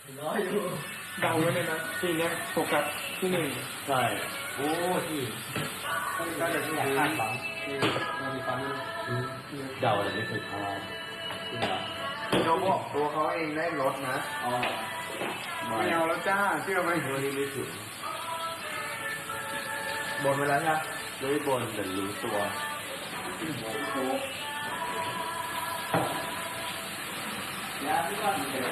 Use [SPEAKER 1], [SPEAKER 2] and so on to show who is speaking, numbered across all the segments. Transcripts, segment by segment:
[SPEAKER 1] น้อยอยู่
[SPEAKER 2] เดาไว้เลยนะทีเนี้ยโฟกัสที่หนึ่ง
[SPEAKER 1] ใช่โอ้ที่ก็จะที่อยากคาดหวัง
[SPEAKER 2] มันมีความ
[SPEAKER 1] เดาแต่ไม่เคยพลาดจริงเหรอ
[SPEAKER 3] เขาบอกตัวเขาเองได้ลดนะ
[SPEAKER 1] อ๋อ
[SPEAKER 2] ไม่เอาแล้วจ้าเชื่อไหม
[SPEAKER 1] วันนี้ไม่ถึง
[SPEAKER 3] บนไปแล้วใช่ไหม
[SPEAKER 1] ไม่บนแต่รู้ตัวยาที่บ้านเด็ก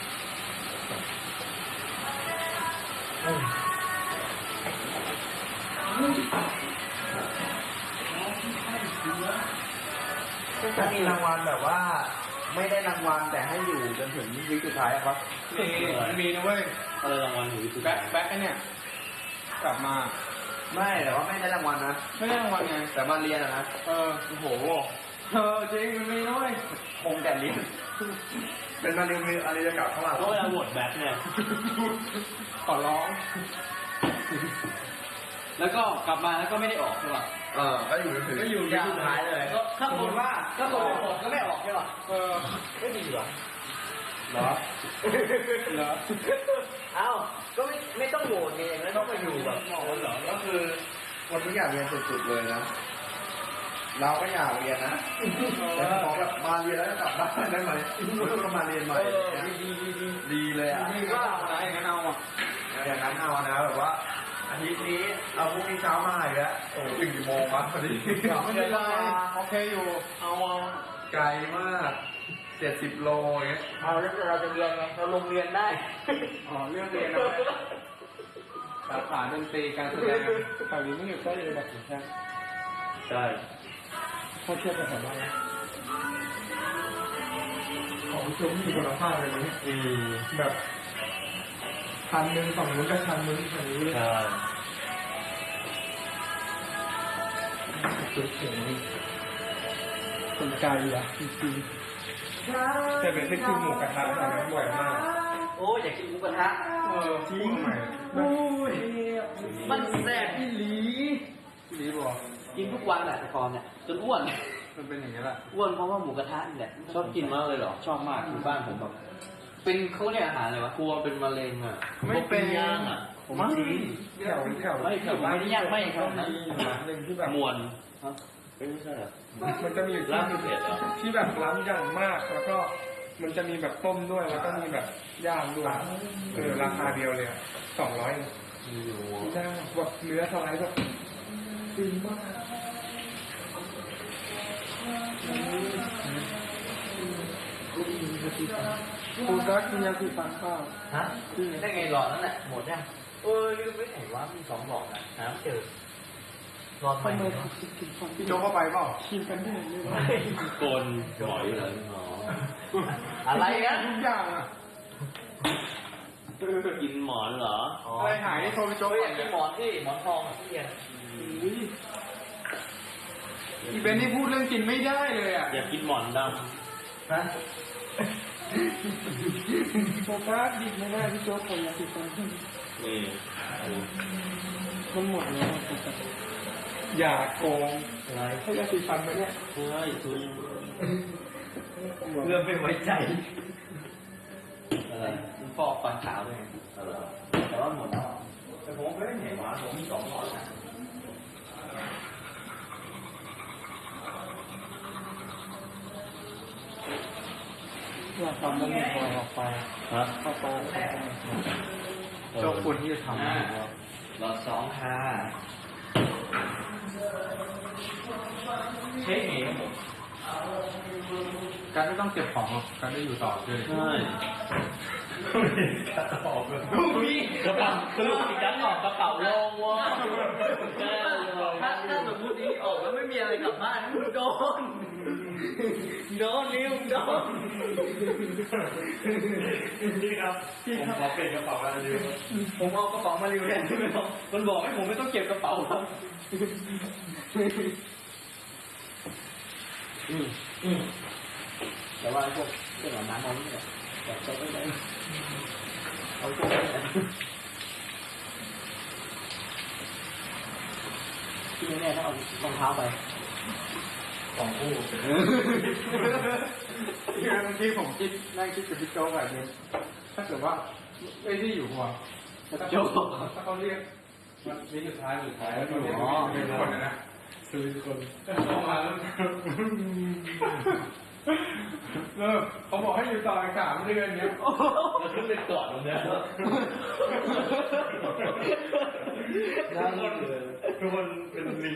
[SPEAKER 3] จะมีรางวัลแบบว่าไม่ได้รางวัลแต่ให้อยู่จนถึงวิสุดท้ายอะครับ
[SPEAKER 2] มีนะเว้ย
[SPEAKER 1] อะไรรางวัลอยู่
[SPEAKER 2] แบ็คเนี่ยกลับมา
[SPEAKER 3] ไม่แต่ว่าไม่ได้รางวัลนะ
[SPEAKER 2] ไม่ได้รางวัลไง
[SPEAKER 3] แต่มาเรียนนะ
[SPEAKER 2] โอ้โหจริงมันมีนะเว้ย
[SPEAKER 3] คงแต่เรียนเป็นมาเรียนอะไรจะกลับเข้ามา
[SPEAKER 1] ก็เวลาโหวตแบ็คเนี่ย
[SPEAKER 2] ขอร้อง
[SPEAKER 1] แล้วก็กลับมาแล้วก็ไม่ได้ออกใช่ป่ะ
[SPEAKER 3] ก็อยู่สุดท้ายเลยก็
[SPEAKER 1] ข้างบนว่าก็โหวตก็ไม่ออกใช่ป่ะ
[SPEAKER 3] ไม่ดีหรอ
[SPEAKER 2] เหรอ
[SPEAKER 3] เอ้าก็ไม่ต้องโหวตไงแล้วต้องมาอยู่แบบ
[SPEAKER 1] เหรอ
[SPEAKER 3] ก็คือคนที่อยากเรียนสุดๆเลยนะเราก็อยากเรียนนะแต่พอแบบมาเรียนแล้วกลับบ้านได้ไหมก็มาเรียนใหม่ดีเลยอ่ะ
[SPEAKER 2] ก็อะไรอย่างนั้นเอาอ่ะ
[SPEAKER 3] อย่างนั้นเอานะแบบว่าอาทิตย์นี้เอาพรุ่งนี้เช้ามาอีกแล้วโอ้ถึงกี่โมงวะพอดี
[SPEAKER 2] ไม่เป็นไรโอเคอยู่เอา
[SPEAKER 3] ไกลมาก70 โลอย่างเงี้ย
[SPEAKER 1] เอาแล้วเราจะเรียนไงเราลงเรียนได้
[SPEAKER 2] เรื่องเรียนนะสาขาดนตรีการแสดงแถวนี้ไม่อยู่ใกล้เลยแบบนี้
[SPEAKER 1] ใช่
[SPEAKER 2] ถ้าเทียบกับแถวบ้านของชุมมีคุณภาพเลยนะแบบชั้นหนึ่งฝั่งนู้นกับชั้นนู้นฝั่งนี้เลย
[SPEAKER 1] ใช่
[SPEAKER 2] สุดเจ๋งคนไกลอ่ะจริงๆแต่เป็นที่กินหมูกระทะแต่ไม่บ่อยมาก
[SPEAKER 1] โอ้อยากกินหมูกระทะ
[SPEAKER 2] จริง
[SPEAKER 1] โอ้ยมันแซ่บที่
[SPEAKER 2] ลีบอก
[SPEAKER 1] กินทุกวันแหละแต่ก่อนเนี่ยจนอ้วน
[SPEAKER 2] มันเป็นอย่างนี้แหละ
[SPEAKER 1] อ้วนเพราะว่าหมูกระทะนี่แหละชอบกินมากเลยเหรอชอบมากที่บ้านผมแบบเป็นเขาเรียกอาหารอะไรวะกลัวเป็นมะเร็งอ่ะ
[SPEAKER 2] ไม่เป็น
[SPEAKER 1] ย่างอ่ะ
[SPEAKER 2] ผมจริงแถวไม่แถว
[SPEAKER 1] ไม่ได้ย่างไม่ครับนะ
[SPEAKER 2] หนึ่งที่แบบ
[SPEAKER 1] มวนไม่ใช่หรอ
[SPEAKER 2] มันจะมีอยู่ที่แบบล้ำอย่างมากแล้วก็มันจะมีแบบต้มด้วยแล้วก็มีแบบย่างด้วยราคาเดียวเลย200ได้แบบเนื้อสไลด์แบบดีมากคุณรักกินยาสีฟันเปล่า
[SPEAKER 1] ฮะได้ไงหลอดนั่นแหละหมดยังลืมไปไหนวะมี2 หลอดนะหาไม่เจอหลอดใหม่
[SPEAKER 2] พี่โจ๊กเข้าไปเปล่ากินกันได้เลย
[SPEAKER 1] โกนหมอยเลยอะไรนะ
[SPEAKER 2] ทุกอย่างอ่ะ
[SPEAKER 1] กินหมอนเหรอ
[SPEAKER 2] อะไรหายโทรไปโจ๊ก
[SPEAKER 1] อยากกินหมอนที่หมอนทองที่เรียน
[SPEAKER 2] อีเบนนี่พูดเรื่องกินไม่ได้เลยอ่ะ
[SPEAKER 1] อยากกินหมอนดำ
[SPEAKER 3] ฮะ
[SPEAKER 2] โฟกัสดิบไม่ได้พี่โจ๊กคนอยากกินคน
[SPEAKER 1] นี่
[SPEAKER 2] มันหมดแล้วอย่าโกง
[SPEAKER 1] อะไร
[SPEAKER 2] ให้ยาสีฟันไปเนี่ย
[SPEAKER 1] เฮ้ยทุยเรื่องไม่ไว้ใจอะไรมันฟอกฟันขาวเลยแต่ว่าหมดแล้วแต่ผมไม่ได้เห็นว่าผมมี2 หลอดนะ
[SPEAKER 2] อยากทำแล้วหมดพอออกไปเข้าไปเจ้าคุณที่จะทำ
[SPEAKER 1] หลอด2ค่ะเช็คเอง
[SPEAKER 2] การไม่ต้องเก็บของการได้อยู่ต่อเลย
[SPEAKER 1] ใช่กระเป๋าเลยกระเป๋าสรุปอีกดันออกกระเป๋าลงวะถ้าสมมตินี้ออกแล้วไม่มีอะไรกลับบ้านโดนนิ้วโดน
[SPEAKER 3] นี่ครับผมขอเปลี่ยนกระเป๋ามาเร็ว
[SPEAKER 1] ผมเอากระเป๋ามาเร็วแทนมันบอกให้ผมไม่ต้องเก็บกระเป๋าครับแต่ว่าพวกเครื่องอาบน้ำมันเนี่ยแบบจะไม่ได้เอาพวกที่แน่ๆถ้าเอารองเท้าไป
[SPEAKER 3] 2 คู่
[SPEAKER 2] บางทีผมนั่งคิดกับพี่โจ๊กแบบนี้ถ้าเกิดว่าไม่ได้อยู่หัวโจถ้าเขาเรียกวันนี้สุดท้ายแล้วอยู่เป็นคนนะคือคนเข้ามาแล้วเขาบอกให้อยู่ต่ออีก3 เดือนเนี้ย
[SPEAKER 1] แล้วขึ้นไปกอดมันเนี่ยทุกคนเป็นลิง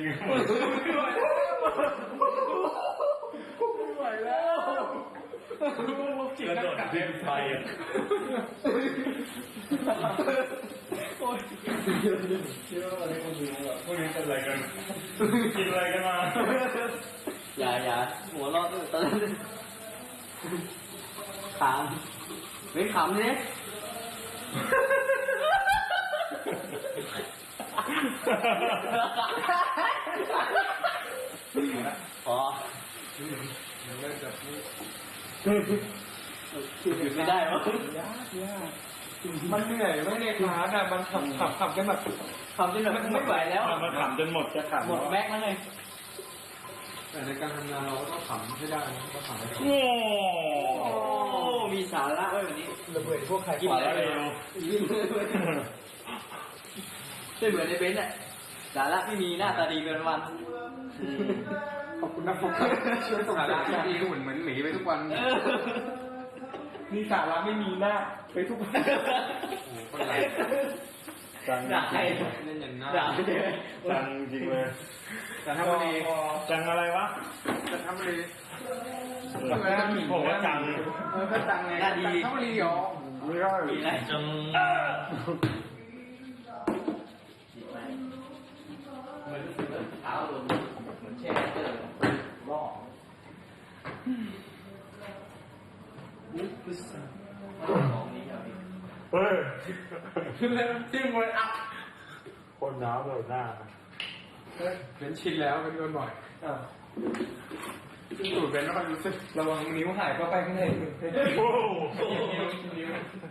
[SPEAKER 2] ไม่ไหวแล้ว
[SPEAKER 1] กระโดดดึงไฟอ่ะคิดว่าอะไรคนดูแบบพวกนี้เป็นอะไรกันกินอะไรกันมาอย่าหัวเราะตอนนั้นขำไม่ขำเนี่ยพอหยุดไม่ได้หรอย
[SPEAKER 2] ากมันเหนื่อยไม่ในคลาสอ่ะมันขับกันแบบ
[SPEAKER 1] ทำจนแบบไม่ไหวแล้ว
[SPEAKER 4] มันขำจนหมดจะขำ
[SPEAKER 1] หมดแม็กแล้วไง
[SPEAKER 2] แต่ในการทำงานเราก็ต้องขำให้ได้ต้องขำให้ได้
[SPEAKER 1] โอ้มีสาระไว้วันนี้
[SPEAKER 2] ระเบิดพวกใคร
[SPEAKER 1] กินอะไรเร็วไม่เหมือนในเบนซ์อ่ะสาระไม่มีหน้าตาดีเป็นวัน
[SPEAKER 2] ขอบคุณนะผมช่วยส่งสาระดีก็เหมือนหมีไปทุกวันนี่สาระไม่มีหน้าไปทุกวัน
[SPEAKER 4] โอ้คนไร
[SPEAKER 1] ด่าใคร
[SPEAKER 2] เล่นอย่างน่า
[SPEAKER 1] ด่าไม่ได้
[SPEAKER 4] จังจริงเลย
[SPEAKER 2] แต่ทำอะไร
[SPEAKER 4] จังอะไรวะ
[SPEAKER 2] จะทำอะไร
[SPEAKER 4] ผมว่าจัง
[SPEAKER 2] ก็จังไงทำอะไรหรอ
[SPEAKER 4] ไม่ได้
[SPEAKER 1] มีอะไรจังเหมือนเท้าโดนเหมือนแช่เจอล่อ
[SPEAKER 4] เฮ้ย
[SPEAKER 2] ขึ้นเลยจิ้มเลยอ่ะ
[SPEAKER 4] คนน้ำเลยหน้า
[SPEAKER 2] เป็นชินแล้วเป็นโดนบ่อยสูดเป็นแล้วมันรู้สึกระวังนิ้วหายเข้าไปข้างใน
[SPEAKER 4] โอ้
[SPEAKER 2] นิ้ว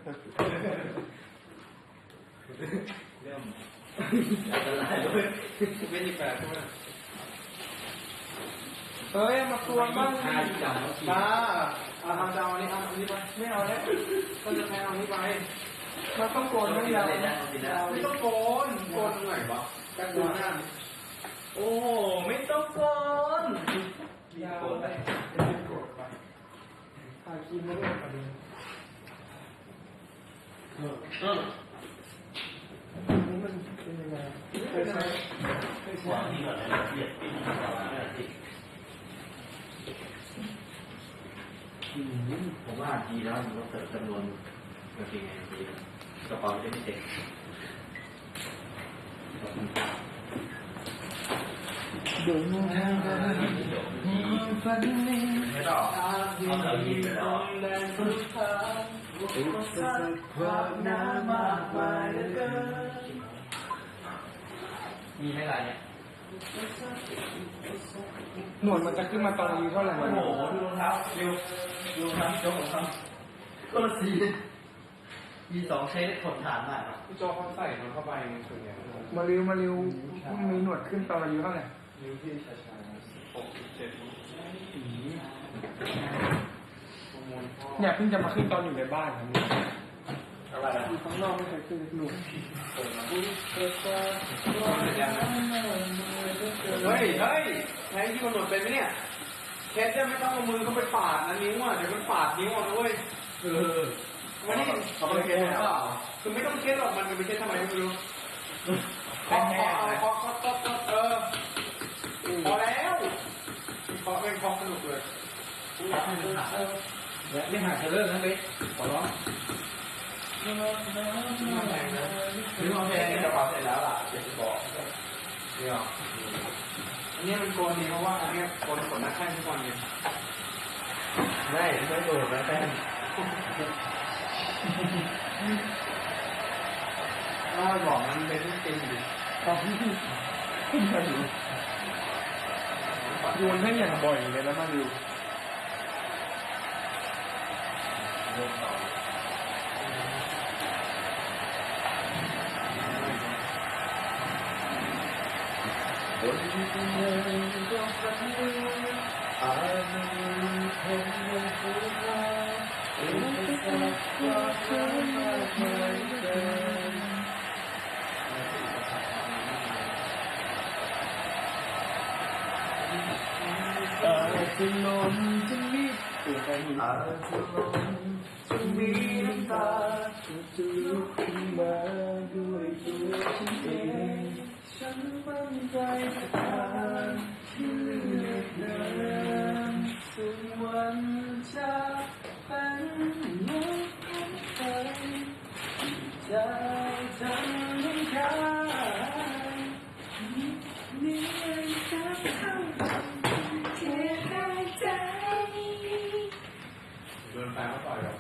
[SPEAKER 1] เริ่มอะไรด้วย
[SPEAKER 2] เป็นอีกแบบใช่ไหมเฮ้ยมาตัวบ้างมาเอาเจ้าอันนี้เอาอันนี้ไปไม่เอาแล้วก็จะแทนเอาอันนี้ไปเราต้องโกนไม่ยาวไม่ต้องโกนโกนหน่อยวะกันดูหน้า
[SPEAKER 1] โอ้ไม่ต้องโกน
[SPEAKER 2] ยาวไปโกนไปถ่ายคลิปไม่ได้ประเด็นนี่มันเป็นยังไงเคยใช้
[SPEAKER 1] หวังที่ก่อนนะเรียบปิ้งต่อมาผมว่าดีแล้วมันก็เกิดจำนวนกางเกงในดีกระเป๋าจะไม่เต็ม
[SPEAKER 2] ดูมือ
[SPEAKER 1] ฝันนี้ไม่ต้องเอาแบบนี้ไปแล้วความน้ำมากมายเหลือเกินมีไหมล่ะเนี่ย
[SPEAKER 2] หนวดมันจะขึ้นมาตรงนี้เท่าไหร่
[SPEAKER 1] โอ้โหดูรองเท้าเร็วดูรองเท้าโจ๊กของเขาก็สีมี2ใช้ได้ทนทานมาก
[SPEAKER 2] พี่โจเขาใส่มันเข้าไปส่วนใหญ่มาเร็วมีหนวดขึ้นตอนอายุเท่าไหร่นิ้วที่ช้าๆ6-7เนี่ยเพิ่งจะมาขึ้นตอนอยู่ในบ้านครับ
[SPEAKER 1] อะไรอ่ะ
[SPEAKER 2] ข้างนอกไม่เคยขึ้นหนุ่มเฮ้ยแทงที่มันหนวดเป็นไหมเนี่ยแคทจะไม่ต้องเอามือเข้าไปปาดนะนิ้วอ่ะเดี๋ยวมันปาดนิ้วอ่ะด้วยวันนี้
[SPEAKER 1] เขาไม่เก็ตหรอ
[SPEAKER 2] คือไม่ต้องเก็ตหรอกมันไปเก็ตทำไมไม่รู้พอแล้วพอเป็นพอสนุกเลยไม่หาเธอเลิกนะเบ๊ขอร้อง
[SPEAKER 1] หรือมองเพลงกระเป๋าเสร็จแล้วล่ะจะบอก
[SPEAKER 2] เนี่ยอันนี้มันโกนดีเพราะว่าอันนี้โกนขนหน้าแข้งทุกวันเนี่ย
[SPEAKER 1] ไม่โกนหน้าแข้ง
[SPEAKER 2] ว่าบอกมันเป็นจริงดิโยนให้อย่างบ่อยเลยแล้วมาดู
[SPEAKER 1] คน
[SPEAKER 3] จะลงจะมีน้ำตาจะลุกขึ้นมาด้วยตัวฉันเองฉันมั่นใจจะผ่านชีวิตเดินถึงวันจะเป็นเหมือนคนเคยใจฉันไม่คลายมีอะไรจะเข้าเทใจโดนแฟนเขาต่อยหรอ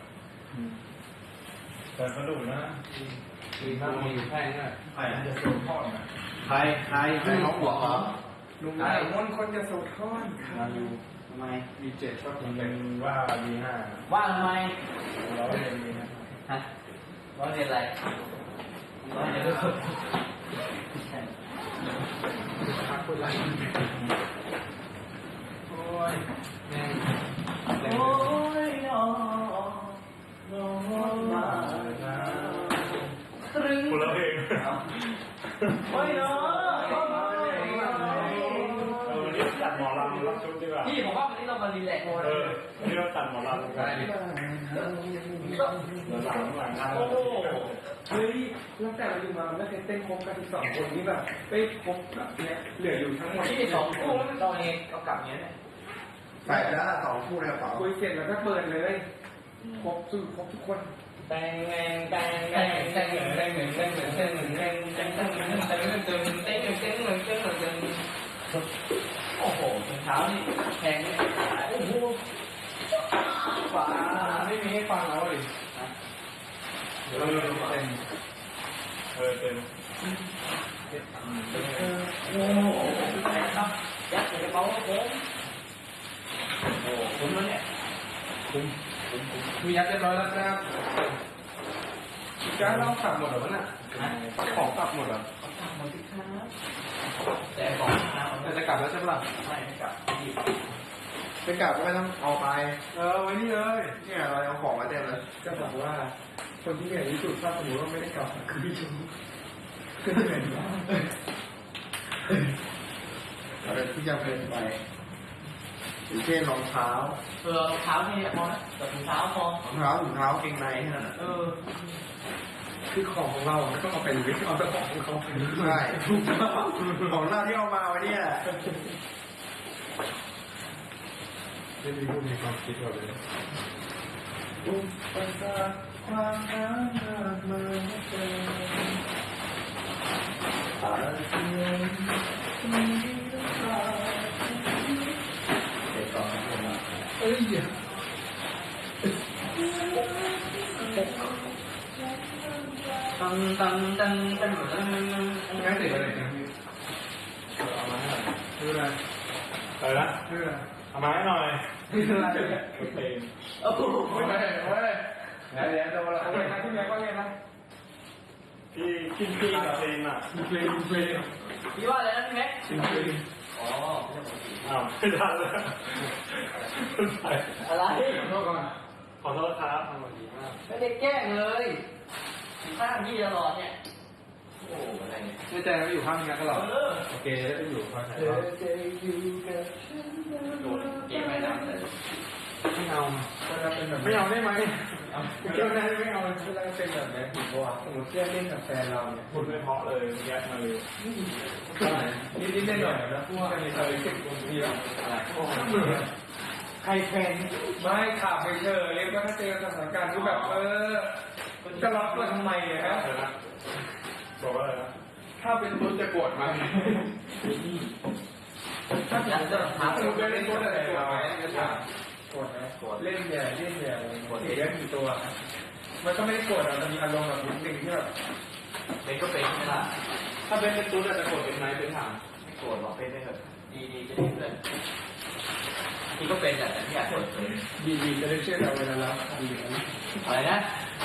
[SPEAKER 4] แต่กระดูกนะ
[SPEAKER 2] มีข้าวมีอยู่แค่นี้
[SPEAKER 3] ใครจะสูบทอดไหมใครน้องหัวเหรอ
[SPEAKER 2] ลุงไอ้มนคนจะสูดท่อน
[SPEAKER 1] มาดูทำไม
[SPEAKER 2] มีเจ็ดชอบ
[SPEAKER 4] มัน
[SPEAKER 2] เป็
[SPEAKER 4] เป็นนว่าดีห้า
[SPEAKER 1] ว่าทำไม
[SPEAKER 4] เราก็เรียนดีนะ
[SPEAKER 1] ฮะว่าเรียนอะไรว่าเรียนอะไร
[SPEAKER 2] พักคนไรโอ้ยแม่
[SPEAKER 1] โอ้ยน้องน้องมาตรึง
[SPEAKER 4] คนละเพลง
[SPEAKER 1] โอ้ยน้อง
[SPEAKER 4] วันนี้ตัดหมอลำรับชุดดีกว่า
[SPEAKER 1] พี่ผมว่าวันนี้เรามารีแลกซ์
[SPEAKER 4] วันนี้เราตัดหมอลำกัน
[SPEAKER 2] ได้ดิ
[SPEAKER 4] หลังงาน
[SPEAKER 1] โอ้โห
[SPEAKER 2] เฮ้ยตั้งแต่เราอยู่มาไม่เคยเต้นครบกัน12 คนนี้แบบไม่ครบแบบเนี้ยเหลืออยู่ทั้งหมด
[SPEAKER 1] ที่สองคู่แล้วเราเองเอากลับเนี้ยเนี่ย
[SPEAKER 3] ใส่แล้วสองคู่ในกระเป๋า
[SPEAKER 2] คุยเสร็จแล้วก็เปิดเลยครบสุดครบทุกคน
[SPEAKER 1] แตงแงงแตงแงงแตงแงงแตงแงงแตงแงงแตงแงงแตงแงงแตงแงงแตงแงงแตงแงงแตงแงงแตงแงงแตงแงงแตงแงงโอ้โหถุงเท้านี่แพงนี่โอ้โห
[SPEAKER 2] ฝาไม่มีให้ฟังแล้วดิ
[SPEAKER 4] เดี๋ยวเราดูเต็มเต็ม
[SPEAKER 1] โอ้โหแพงครับยัดใส่กระเป๋าผมโอ้โหคุ้มแล้วเนี่ย
[SPEAKER 2] มียัดเรียบร้อยแล้วครับจ้าเรากลับหมดเหรอวะน่ะของกลับหมดเหรอ
[SPEAKER 1] หมดที่ค้าแต่ของค้า
[SPEAKER 2] แต่จะกลับแล้วใช่ปะล่ะ
[SPEAKER 1] ไม่กลับ
[SPEAKER 3] ไปกลับก็ไม่ต้องเอาไป
[SPEAKER 2] ไว้นี่เลย
[SPEAKER 3] เนี่ยเราเอาของมาเต็มเลย
[SPEAKER 2] จะบอกว่าคนที่เหนื่อยที่สุดถ้าสมมติว่าไม่ได้กลับคือพี่ชูก็เหนื่อยมาก
[SPEAKER 3] อะไรที่จะเป็นไปอย่างเช่นรองเท้าร
[SPEAKER 1] องเท้านี่พอนะแต่ถุงเท้าพอ
[SPEAKER 3] รองเท้าเกงในแค่นั้น
[SPEAKER 2] คือของของเราไม่ต้องเอาไปหรือเอาแต่ของของเขาไป
[SPEAKER 3] ใช่ของเราที่เอามาไว้เนี่ย
[SPEAKER 2] ไม่มีรูปมีความคิดแบบนี้
[SPEAKER 3] อุปสรรคความหามากมายเกินอาจจะยังมีน้ำตาเด็กตอนนี้มา
[SPEAKER 2] เอ้ย
[SPEAKER 1] ตังตังตังตังตัง
[SPEAKER 2] ง่ายติดอะไรนะพี่เอามาให้คืออะไร
[SPEAKER 4] อะไรนะ
[SPEAKER 2] คืออะไร
[SPEAKER 4] เอามาให้หน่อย
[SPEAKER 2] คืออะไร
[SPEAKER 4] เพลง
[SPEAKER 1] โอ้โห
[SPEAKER 2] เฮ้ยเฮ้ยเดี๋ยวโดนละโอเคนะที่แม่ก็เรียนนะ
[SPEAKER 4] พี่กินพี่กับเพลงอ่ะ
[SPEAKER 2] เพลง
[SPEAKER 1] พี่ว่าอะไรนะพี่แม็ก
[SPEAKER 2] เพลง
[SPEAKER 1] อ๋อ
[SPEAKER 4] อ้าวไม่ทันแล้ว
[SPEAKER 1] อะไร
[SPEAKER 2] ขอโทษก่อน
[SPEAKER 4] ขอโทษครับทำมาดีมาก
[SPEAKER 1] ไม่ได้แกล้งเลยข้างพี่ตลอดเนี่ยโอ้โหอะไรเนี่ย
[SPEAKER 2] แน่ใจว่าอยู่ข้างนี้กันหรอ
[SPEAKER 1] โอเค
[SPEAKER 2] โอเคแล้วจะอยู่ข้างไหน
[SPEAKER 3] เธอจะอยู่กับฉัน
[SPEAKER 1] โดนเกมไม่น้ำเลย
[SPEAKER 2] ไม่เอาเวลาเป็นแบบไม่เอาได้ไหมเจ้าหน้าไม่เอาเวลาเป็นแบบนี้ผมว่าสมมติเพื่อนเล่นกับแฟนเราเนี่ย
[SPEAKER 4] พูดไม่เพราะเลยแยกมาเลย
[SPEAKER 2] นิดๆหน่อยๆนะพวกมีเคยสิบคนทีละใครแฟนไม่ขับไปเฉยเรียกว่าถ้าเจอสถานการณ์ที่แบบจะล็อกตัวทำไมเนี่ยฮะ
[SPEAKER 4] อะไรนะบอกว่าอะไรนะ
[SPEAKER 2] ถ้าเป็นตุ๊ดจะโกรธไหมถ้าเป็นตุ๊ดจะถามตุ๊ดเล่นตุ๊ดอะไรโกรธไหมจะถามโกรธไหมเล่นเนี่ยเล่นเนี่ยเสียกี่ตัวมันก็ไม่ได้โกรธมันมีอารมณ์แบบนิดนึงที่แบบ
[SPEAKER 1] เป็นก็เป็นไม่ล่ะ
[SPEAKER 2] ถ้าเป็นตุ๊ดจะโกรธเป็นไหมเป็นถาม
[SPEAKER 1] ไม่โกรธหรอกเป็นได้เถอะดีๆจะได้เพื่อนพี่ก็เป็นแต่ไม่อยากเปิดเผย
[SPEAKER 2] ดีๆจะได้เชื่อเราเวลาเราดีนะ
[SPEAKER 1] อะไรนะ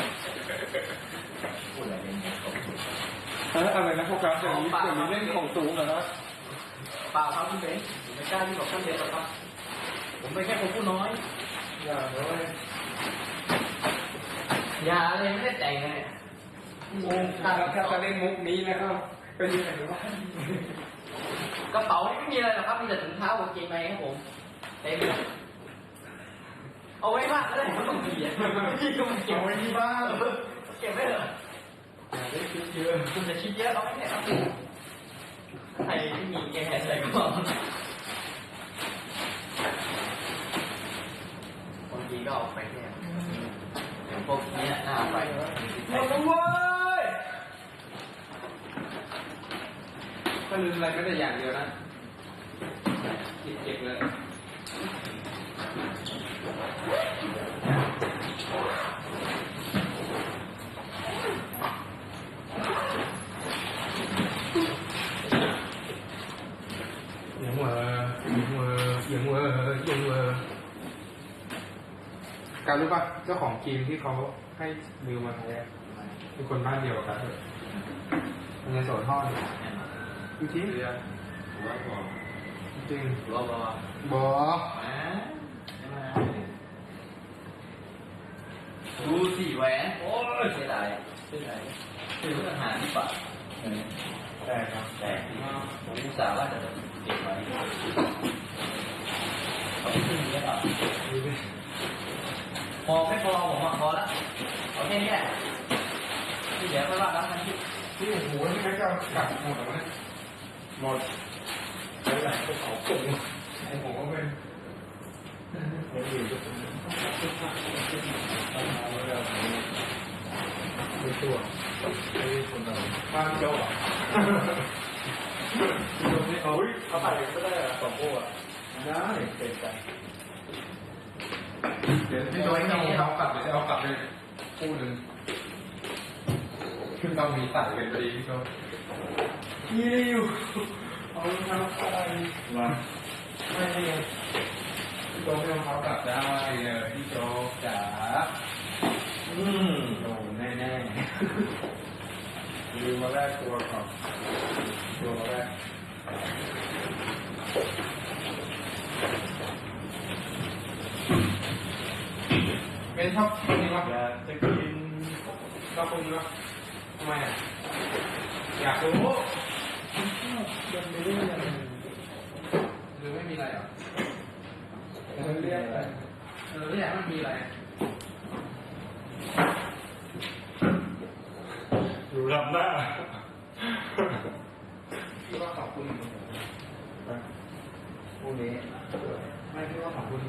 [SPEAKER 1] พูดอะไรเนี่ย
[SPEAKER 2] อะไรนะโฟกัสอย่างนี้อย่างนี้เล่นของสูงเหรอนะ
[SPEAKER 1] เปล่าครับพี่เบนผมไม่กล้าที่บอกท่านเบนหรอกครับผมเป็นแค่คนผู้น้อย
[SPEAKER 2] อย่าเลย
[SPEAKER 1] อย่าเลยไม่ได้แต่งเลย
[SPEAKER 2] โอ้ถ้าจะเล่นมุกนี้นะครับเป็นยังไงวะ
[SPEAKER 1] กระเป๋าไม่มีอะไรหรอกครับมีแต่ถุงเท้ากางเกงในครับผมเต็มเลยเอาไว้บ้างก็ได้ไม่ต้องเกียร์พี่ก็มันเก็บ
[SPEAKER 2] เอา
[SPEAKER 1] ไว้
[SPEAKER 2] ไว้ที่บ้าน
[SPEAKER 1] เก็บไว้เถอะ
[SPEAKER 2] ได้คิดเยอะ
[SPEAKER 1] คุณจะคิดเยอะเอาไม่ได้ครับใครที่มีแกใส่ก็บางทีก็เอาไปเนี่ยอย่างพวกนี้น่าไป
[SPEAKER 2] หมดแล้วเว้ยถ้าลืมอะไรก็ได้อย่างเดียวนะเก็บเลยยังเวอการรู้ป่ะเจ้าของทีมที่เขาให้มิวมาแท้เป็นคนบ้านเดียวกันเลยมันจะโสดทอดจริงๆจริง
[SPEAKER 1] รอบ
[SPEAKER 2] บอ
[SPEAKER 1] ดูสิแหวนโอ้ยเสียดายคือทหารที่ป่า
[SPEAKER 4] แต่ครับ
[SPEAKER 1] แต่ผมอุตส่าห์ว่าจะเก็บไว้เขาไม่ขึ้นเยอะหรอกพอไม่พอผมพอแล้วเอาแค่นี้แหละที่เหลือไม่ว่ากันทั้งที่
[SPEAKER 2] นี่โอ้โหนี่ก็จะกลับหมดแล้วเนี่ย
[SPEAKER 4] หมดแล้วไหนก็เขาตุ่ม
[SPEAKER 2] ไอ้ผมก็เป็น
[SPEAKER 4] ไม่ดีทุกคนไม่ตัวไม่ได้คนเรา
[SPEAKER 2] บ้านโจ้อะ
[SPEAKER 4] เขาเขาถ่ายก็ได้สองคู่อ่ะได้เป็นใจ
[SPEAKER 2] เดี๋ยวพี่โจ้ให้เอากลับเดี๋ยวจะเอากลับเลยคู่หนึ่งขึ้นต้องมีใส่กันพอดีพี่โจ้
[SPEAKER 4] ยี่ริวเอาเท้าไปมาไม่ได้
[SPEAKER 2] พี่โจ้ไม่เอากลับได้เลยพี่โจ้จ๋า
[SPEAKER 4] โอ้แน่แน่ลืมมาแรกตัวก่อนตัวมาแรก
[SPEAKER 2] เป็นชอบคนนี้ปะ
[SPEAKER 4] อยากจะกิน
[SPEAKER 2] ชอบคนนี้ปะทำไมอ่ะอยากรู้
[SPEAKER 4] ยังไม่ได้ยัง
[SPEAKER 2] หรือไม่มีอะไรอ่ะ
[SPEAKER 4] เรียกไป
[SPEAKER 2] ไม่อยากมันมีอะไร
[SPEAKER 4] ดูลำหน้า
[SPEAKER 2] พี่ว่าขอบคุณ
[SPEAKER 4] พวกนี้
[SPEAKER 2] ไม่พี่ว่าขอบคุณ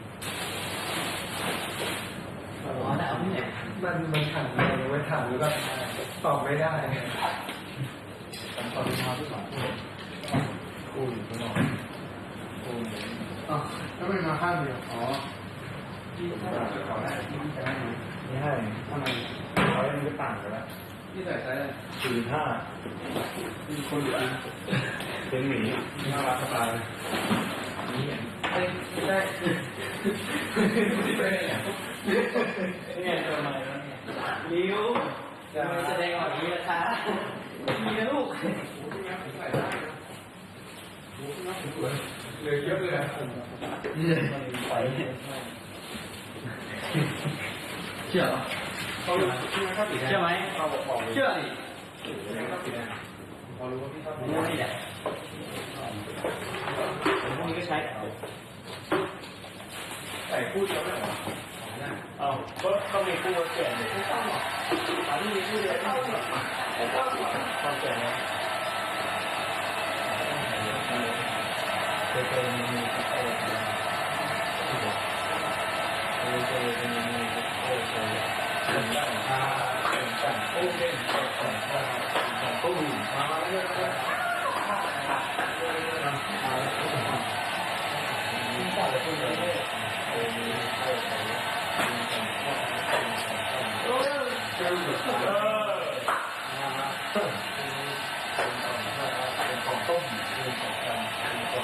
[SPEAKER 1] อ๋อแต่เอาที่ไหน
[SPEAKER 4] มันถามอะไรไว้ถามหรือแบบตอบไม่ได้ตอนมาที่สองคู่อยู่ข้างนอกคู่
[SPEAKER 2] อ๋อก็ไม่มาข้างเดียวอ๋อ
[SPEAKER 4] ที่ถ้าเราจะขอได้ที่จะให้ไม่ให้ทำไมเขายังไม่ต่างกันแล้ว
[SPEAKER 2] พี่ใส่ไซส์
[SPEAKER 4] 45มีคนอยู่อันเป็นหมีน่ารักสบายนี่ไม่ได้ที่ไปเนี่ยนี่ทำไมแล้วเนี่ย
[SPEAKER 1] ริ้วจะไม่แสดงออกนี้นะคะมีนะลูก
[SPEAKER 2] เหลือเยอะเลยนะ
[SPEAKER 4] ไป
[SPEAKER 1] เชื่อ
[SPEAKER 2] เขาพี่ไม่ชอบสีแดง
[SPEAKER 1] เชื่อไหม
[SPEAKER 4] เข้าบอก
[SPEAKER 1] เชื่อดิ
[SPEAKER 2] ไม่ชอบสีแดงพอรู้ว่าพี่ชอบสี
[SPEAKER 1] มู
[SPEAKER 2] แดง
[SPEAKER 1] นี่แหละพวกนี้ก็ใช้
[SPEAKER 4] ใส่คู่เดียวไม่หรอเอาก็มีคู่แก่เนี่ยไม่ต้องหรอกอันนี้มีคู่เดียวไม่ต้องหรอกไม่ต้องหรอกความแก่เนี่ยเคยมีมีเคยมีเป็นได้ค่ะเป็นกันโอ้เป็นของตู้มาแล้วก็มีต่อเลยคุณเลยเป็นของต้มเป็นของกันเป็นของ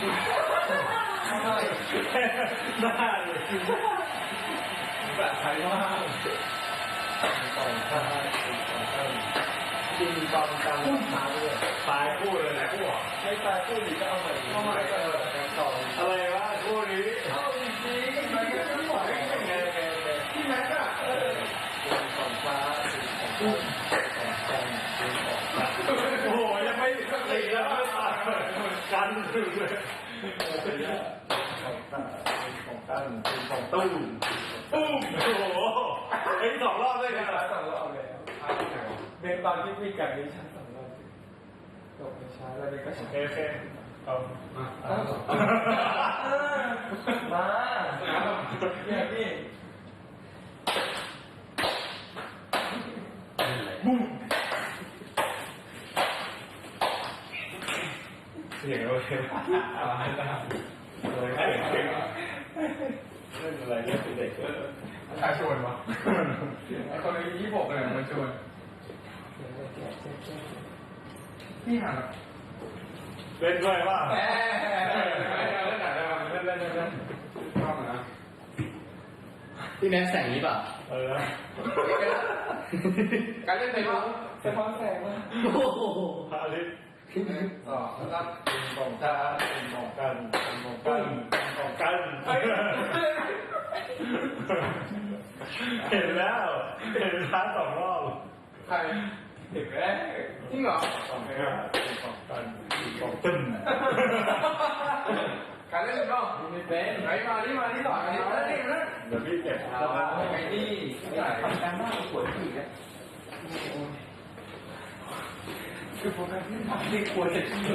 [SPEAKER 4] ได้เลยแบบไทยมากเป็นของข้าวเป็นของข้าวจริงตอนกลางทางเลยตายคู่เลยนะคู่ไม่ตายคู่นี้ก็เอาใหม่เอาใหม่ก็ต่ออะไรวะคู่นี้เอาจริงๆมันก็ไม่ไหวไงที่แม็กอะเป็นของฟ้าเป็นของของจันเป็นของโอ้โหยังไม่ตีแล้วไม่ตายกันถึงเลย
[SPEAKER 3] ของตั้งของตู้ตู้โอ้โหไอ้สองรอบเลยนะสองรอบเลยเบนตอนที่คุยกันนี่ฉันสองรอบจบไม่ช้าแล้วเบนก็โอเคเอามาเนี่ยพี่บุ้มเสียงโอเคอะไรเล่นอะไรเล่นเด็กใครชวนวะไอคนอายุ26เลยมันชวนพี่หันเล่นด้วยว่าเล่นไหนได้บ้างเล่นชอบนะ
[SPEAKER 1] พี่แม็กแสงนี้ป่ะ
[SPEAKER 2] การเล่นในรู้
[SPEAKER 3] สะท้อนแสงมาโอ้โหพาลิสแล้วก็ของตาของกันของกันของกันเห็นแล้วเห็นท้าสองรอบ
[SPEAKER 2] ใครเห็นไหมจริงเหรอ
[SPEAKER 3] ของกันของกันของตึ้ม
[SPEAKER 2] การเล่นเนาะไม่เป็นไหนมานี่ต่อมานี่มานี่นะ
[SPEAKER 3] เดี๋ยวพี่เก็บ
[SPEAKER 2] ไอ้นี่ทำการบ้านปวดผีอ่ะคือพอการที่ทำนี่กลัวจะขี้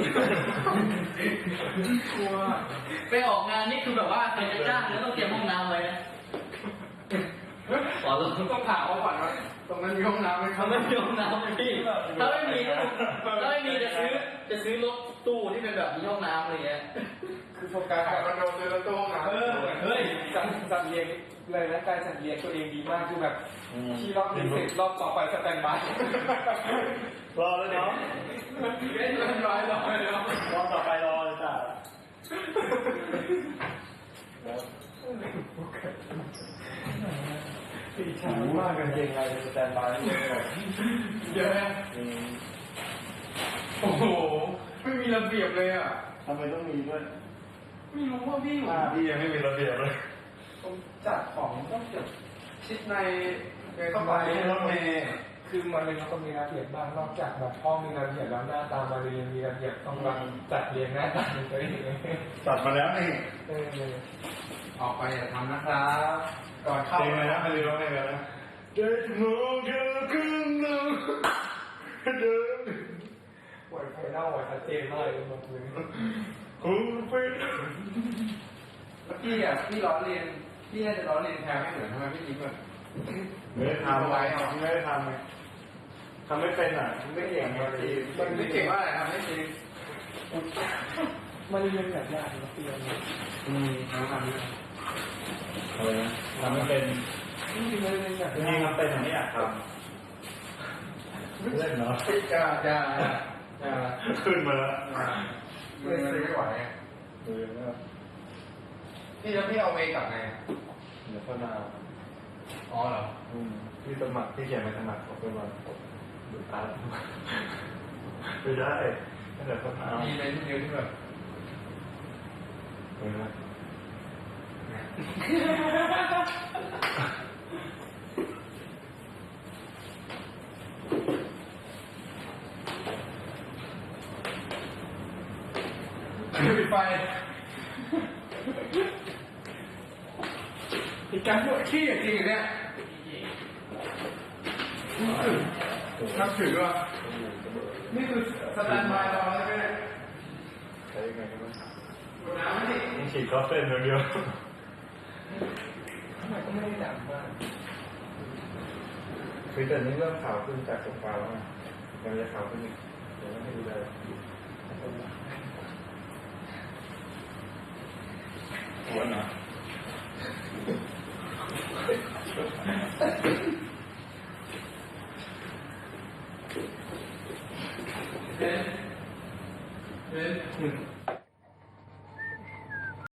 [SPEAKER 2] กลัว
[SPEAKER 1] ไปออกงานนี่คือแบบว่าใครจะจ้างแล้วต้องเตรียมห้องน้ำไว้นะขอลง
[SPEAKER 2] ต้องถามเขาก่อนว่าตรงนั้นมีห้องน้ำไหมครั
[SPEAKER 1] เขา
[SPEAKER 2] บ
[SPEAKER 1] ไม่มีห้องน้ำไหมพี่ถ้าไม่มีจะซื้อรถตู้ที่เป็นแบบมีห้องน้ำอะไรเงี้ย
[SPEAKER 2] คือโฟกัสกับคอนโดซื้อรถตู้ห้องน้ำ
[SPEAKER 3] เฮ้ยจัดเรียงเลยนะการจัดเรียงตัวเองดีมากคือแบบที่รอบนี้เสร็จรอบต่อไปสแตนบายรอแล้วเนาะ
[SPEAKER 2] เล่นเรียบร้อยแล้วเนาะ
[SPEAKER 3] รอบต่อไปรอเลยจ้ะตีช้ามากกันเองอะไรสแตนบาย
[SPEAKER 2] เยอะนะโอ้โหไม่มีระเบียบเลยอ่ะ
[SPEAKER 3] ทำไมต้องมีด้วย
[SPEAKER 2] ไม่รู้ว่าพี่อยู่
[SPEAKER 3] พี่ยังไม่มีระเบียบเลย
[SPEAKER 2] ผมจัดของต้องเก็บชิดในเข้า
[SPEAKER 3] ทำ
[SPEAKER 2] ไป
[SPEAKER 3] ไมรถเมย์
[SPEAKER 5] คือมันเลยต้องมีระเบียบบ้างนอกจากแบบห้องมีระเบียบแล้วหน้าตามาเรียนมีระเบียบต้องวางจัดเรียงหน้าตาตัวเอง
[SPEAKER 3] ตัดมาแล้วนี่
[SPEAKER 2] ออกไปอย่าทำนะครับก่อนเข้า
[SPEAKER 3] เพลงอะไรนะไม่รู้เพลงอะไรนะเด็กมองเธอขึ้นหนึ่งเดิน
[SPEAKER 5] ปวดไฟเล่าอ่ะชัดเจนมากเลยหมดเลย
[SPEAKER 3] คุณเป็น
[SPEAKER 2] พี่อ่ะพี่ล้อเลียนพี่น่าจะล้อเลียนแทนไม่เหมือนทำไมพี่ยิ้มอ่ะ
[SPEAKER 3] ไม่ได้ทำไว้ไม่ได้ทำไงทำไม่เป็นอ่ะไม่เก่งบางที
[SPEAKER 2] มันไม่เก่งว่าอะไรทำไม่จริง
[SPEAKER 5] มันเรียนแบบยากนะเรียน
[SPEAKER 2] ทำนี่
[SPEAKER 3] อะไรนะทำไม่เป็น
[SPEAKER 5] จริงๆมันเรียนแบบ
[SPEAKER 3] จริงๆทำเป็นแต่ไม่อยากทำเล่นเนาะ
[SPEAKER 2] จะ
[SPEAKER 3] ขึ้นมาแล้ว
[SPEAKER 2] ไม่ซื้อไม่ไหว
[SPEAKER 3] ดูแล้ว
[SPEAKER 2] พี่แล้วพี่เอาเวกลับไง
[SPEAKER 3] เดี๋ยวพ่อหน้า
[SPEAKER 2] อ๋อเหรอ
[SPEAKER 3] พี่สมัครพี่เขียนไปสมัครของเป็นวันดูตาไม่ได้เดี๋ยวพ่อหน้า
[SPEAKER 2] มีเมนต์เดียวที่แบบ
[SPEAKER 3] เห็นไหม
[SPEAKER 2] ปิดไฟอีกการปวดขี้จริงเนี่ยนับถือว่ะนี่คือสแตนบายรอใช่ไหม
[SPEAKER 3] ใช้ยังไงกันบ้าง
[SPEAKER 2] ดูน้ำนี่
[SPEAKER 3] ต้องฉีดคอสเส้นเดียว
[SPEAKER 5] ทำไมก็ไม่ได้ดังมาก
[SPEAKER 3] คือแต่นี้เริ่มขาวขึ้นจากโซฟาแล้วไงยังจะขาวขึ้นอีกเดี๋ยวให้ดูได้